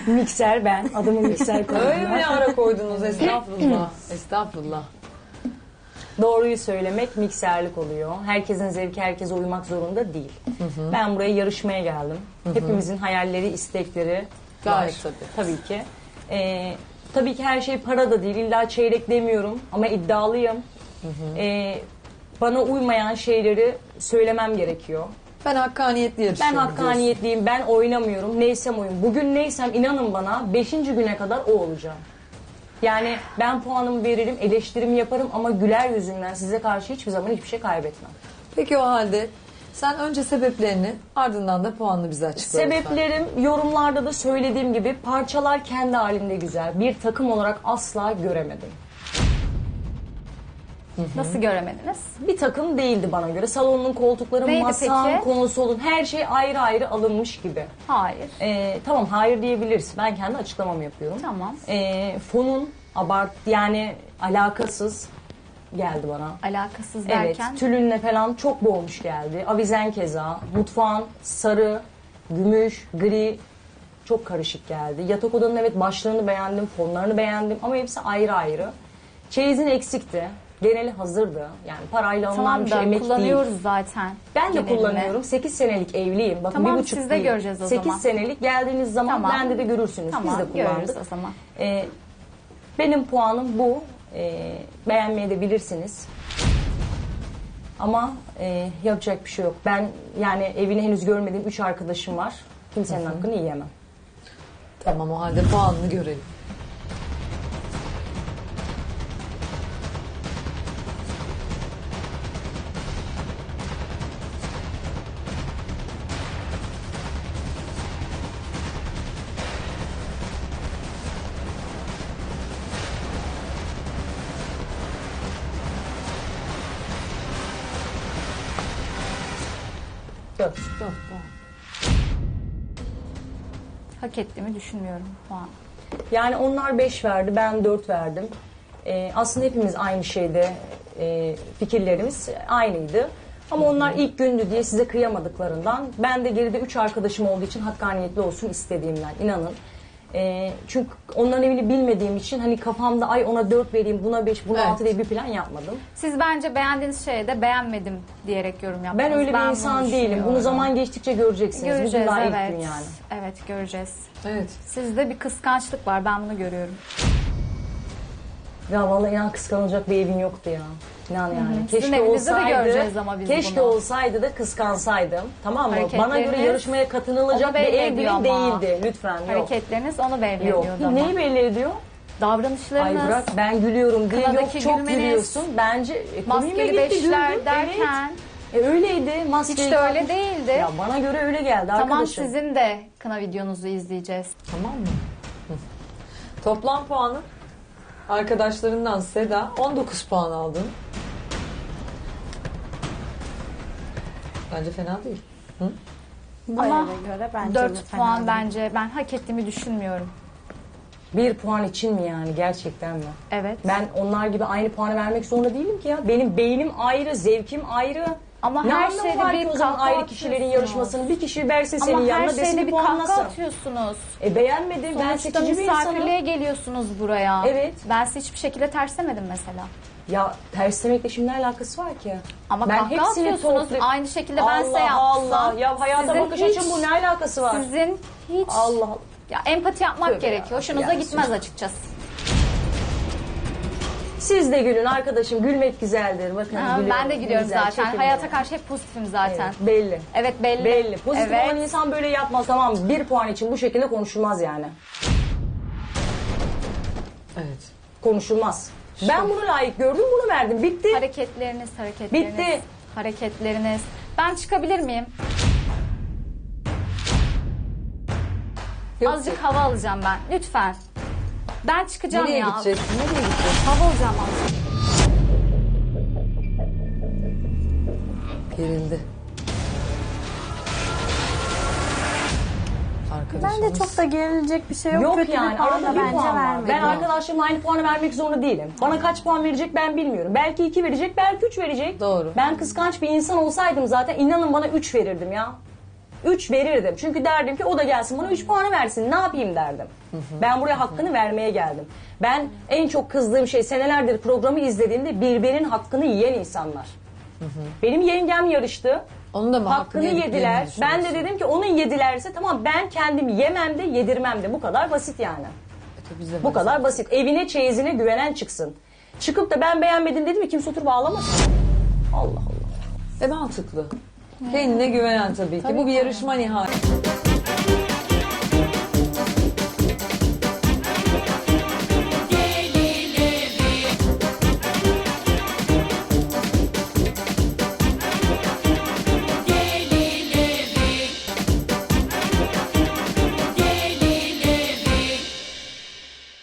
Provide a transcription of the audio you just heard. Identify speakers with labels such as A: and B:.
A: Mikser ben. Adımı mikser koydum.
B: Öyle mi ara koydunuz? Estağfurullah. Estağfurullah.
A: Doğruyu söylemek mikserlik oluyor. Herkesin zevki herkese uymak zorunda değil. Ben buraya yarışmaya geldim. Hepimizin hayalleri, istekleri
B: Gayet
A: var.
B: tabii.
A: Tabii ki. Tabii ki her şey para da değil. İlla çeyrek demiyorum ama iddialıyım. Bana uymayan şeyleri söylemem gerekiyor.
B: Ben hakkaniyetli
A: Ben
B: yarışıyorum
A: hakkaniyetliyim. Ben oynamıyorum. Neysem oyum. Bugün neysem inanın bana 5. güne kadar o olacağım. Yani ben puanımı veririm, eleştirimi yaparım ama güler yüzümden size karşı hiçbir zaman hiçbir şey kaybetmem.
B: Peki o halde sen önce sebeplerini ardından da puanını bize açıkla.
A: Sebeplerim yorumlarda da söylediğim gibi parçalar kendi halinde güzel. Bir takım olarak asla göremedim.
C: Nasıl göremediniz?
A: Bir takım değildi bana göre. Salonun koltukları,
C: Neydi
A: masam,
C: peki?
A: konsolun her şey ayrı ayrı alınmış gibi.
C: Hayır.
A: Tamam hayır diyebiliriz. Ben kendi açıklamamı yapıyorum.
C: Tamam.
A: Fonun yani alakasız geldi bana.
C: Alakasız
A: Evet,
C: derken
A: tülünle falan çok boğmuş geldi. Avizen keza, mutfağın sarı, gümüş, gri çok karışık geldi. Yatak odanın evet başlarını beğendim, fonlarını beğendim ama hepsi ayrı ayrı. Çeyizin eksikti. Geneli hazırdı. Yani parayla alınan
C: tamam
A: bir şey
C: da
A: emek
C: kullanıyoruz
A: değil.
C: zaten.
A: Ben de
C: genelini.
A: kullanıyorum. 8 senelik evliyim. Bakın
C: Tamam,
A: 1,5
C: siz de
A: değil.
C: göreceğiz o
A: 8
C: zaman.
A: senelik geldiğiniz zaman
C: Tamam.
A: bende de görürsünüz.
C: Tamam,
A: Biz de kullandık.
C: görürüz o zaman.
A: Benim puanım bu. Beğenmeye de bilirsiniz. Ama yapacak bir şey yok. Ben yani evini henüz görmediğim 3 arkadaşım var. Kimsenin hakkını yiyemem.
B: Tamam o halde puanını görelim.
A: Dört.
B: 4 puan.
C: Hak ettiğimi düşünmüyorum puan.
A: Yani onlar 5 verdi, ben 4 verdim. Aslında hepimiz aynı şeyde fikirlerimiz aynıydı. Ama onlar ilk gündü diye size kıyamadıklarından ben de geride 3 arkadaşım olduğu için hakkaniyetli olsun istediğimden inanın. Çünkü onların evini bilmediğim için hani kafamda ay ona 4 vereyim, buna 5, buna
B: Evet.
A: 6 diye bir plan yapmadım.
C: Siz bence beğendiğiniz şeye de beğenmedim diyerek yorum yaptınız.
A: Ben öyle bir
C: bunu
A: insan değilim.
C: düşünüyorum.
A: Bunu zaman geçtikçe göreceksiniz.
C: göreceğiz.
A: Bugün daha
C: Evet.
A: ilk gün yani.
C: Evet, göreceğiz.
B: Evet.
C: Sizde bir kıskançlık var. Ben bunu görüyorum.
A: Ya vallahi inan kıskanılacak bir evin yoktu ya. İnan yani.
C: Sizin evinizde de göreceğiz ama biz
A: keşke
C: bunu.
A: olsaydı da kıskansaydım. Tamam mı? Bana göre
C: Hareketleriniz
A: yarışmaya katılılacak
C: onu
A: bir
C: belli
A: ev
C: ediyor
A: bile
C: ama.
A: değildi. Lütfen yok.
C: Hareketleriniz onu belli
A: Yok.
C: ediyordu ama.
A: Neyi belli ediyor?
C: Davranışlarınız,
A: Ay bırak ben gülüyorum diye yok
C: Kınadaki
A: çok
C: gülmeniz,
A: gülüyorsun. Bence komiğime
C: maskeli
A: gitti,
C: beşler
A: güldüm.
C: derken
A: Evet. Öyleydi. Maskeyi
C: hiç de öyle
A: takmış.
C: değildi.
A: Ya bana göre öyle geldi
C: Tamam,
A: arkadaşım.
C: sizin de kına videonuzu izleyeceğiz.
B: Tamam mı? Hı. Toplam puanı arkadaşlarından Seda 19 puan aldın. Bence fena değil. Hı?
C: Ama
D: göre bence
C: 4 puan bence ben hak ettiğimi düşünmüyorum.
A: 1 puan için mi yani gerçekten mi?
C: Evet.
A: Ben onlar gibi aynı puanı vermek zorunda değilim ki ya. Benim beynim ayrı, zevkim ayrı.
C: Ama
A: ne
C: her
A: anlamı
C: şeyde
A: var
C: bir
A: ki o zaman
C: kahkaha
A: ayrı kişilerin
C: atıyorsunuz.
A: yarışmasını bir kişi versin senin
C: Ama her
A: yanına desin
C: şeyde
A: bir
C: bir kahkaha
A: puanlasın.
C: atıyorsunuz.
A: Beğenmedim ben
C: Sonuçta
A: seçici bir
C: misafirliğe
A: insanım.
C: geliyorsunuz buraya.
A: Evet.
C: Ben sizi hiçbir şekilde terslemedim mesela.
A: Ya terslemekle şimdi ne alakası var ki?
C: Ama
A: ben
C: kahkaha atıyorsunuz. Aynı şekilde ben size yapsam.
A: Allah ya hayata
C: sizin
A: bakış
C: hiç-
A: açım bu ne alakası var?
C: Sizin hiç
A: Allah Allah.
C: ya empati yapmak
A: Tövbe
C: gerekiyor.
A: ya,
C: Hoşunuza
A: yani
C: gitmez
A: sus.
C: açıkçası.
A: Siz de gülün arkadaşım gülmek güzeldir. Bakın
C: Ha,
A: gülüyorum.
C: ben de gülüyorum
A: Güzel,
C: zaten.
A: çekin
C: Hayata
A: beni.
C: karşı hep pozitifim zaten.
A: Evet, belli.
C: Evet, belli.
A: Belli. Pozitif
C: Evet.
A: olan insan böyle yapmaz tamam mı? 1 puan için bu şekilde konuşulmaz yani.
B: Evet.
A: Konuşulmaz. Ben bunu layık gördüm bunu verdim. Bitti.
C: Hareketleriniz.
A: Bitti.
C: Hareketleriniz. Ben çıkabilir miyim?
B: Yok,
C: Azıcık hava alacağım ben. Lütfen. Ben çıkacağım
B: nereye
C: ya.
B: gideceksin? Nereye gideceksin?
C: Hava alacağım azıcık.
B: Gerildi. Arkadaşımız.
D: Bence çok da gerilecek bir şey yok.
A: Yok
D: Kötü
A: yani
D: bir puan
A: arada
D: da
A: bir
D: bence
A: puan var.
D: vermedi.
A: Ben arkadaşlarımla aynı puanı vermek zorunda değilim. Bana kaç puan verecek ben bilmiyorum. Belki 2 verecek belki 3 verecek.
B: Doğru.
A: Ben kıskanç bir insan olsaydım zaten inanın bana 3 verirdim ya. 3 verirdim. Çünkü derdim ki o da gelsin bana 3 puanı versin. Ne yapayım derdim. Ben buraya hakkını vermeye geldim. Ben en çok kızdığım şey senelerdir programı izlediğimde birbirinin hakkını yiyen insanlar. Benim yengem yarıştı.
B: Onun da mı
A: Hakkını
B: yediklerini
A: yediler. Ben de
B: düşünüyorsun?
A: dedim ki onun yedilerse tamam ben kendim yemem de yedirmem de. Bu kadar basit yani.
B: Tabii bize
A: Bu kadar basit. Evine çeyizine güvenen çıksın. Çıkıp da ben beğenmedim dedim mi kimse oturup ağlamasın. Allah Allah.
B: Mantıklı. Kendine güvenen tabii ki. Bu bir yarışma nihayet.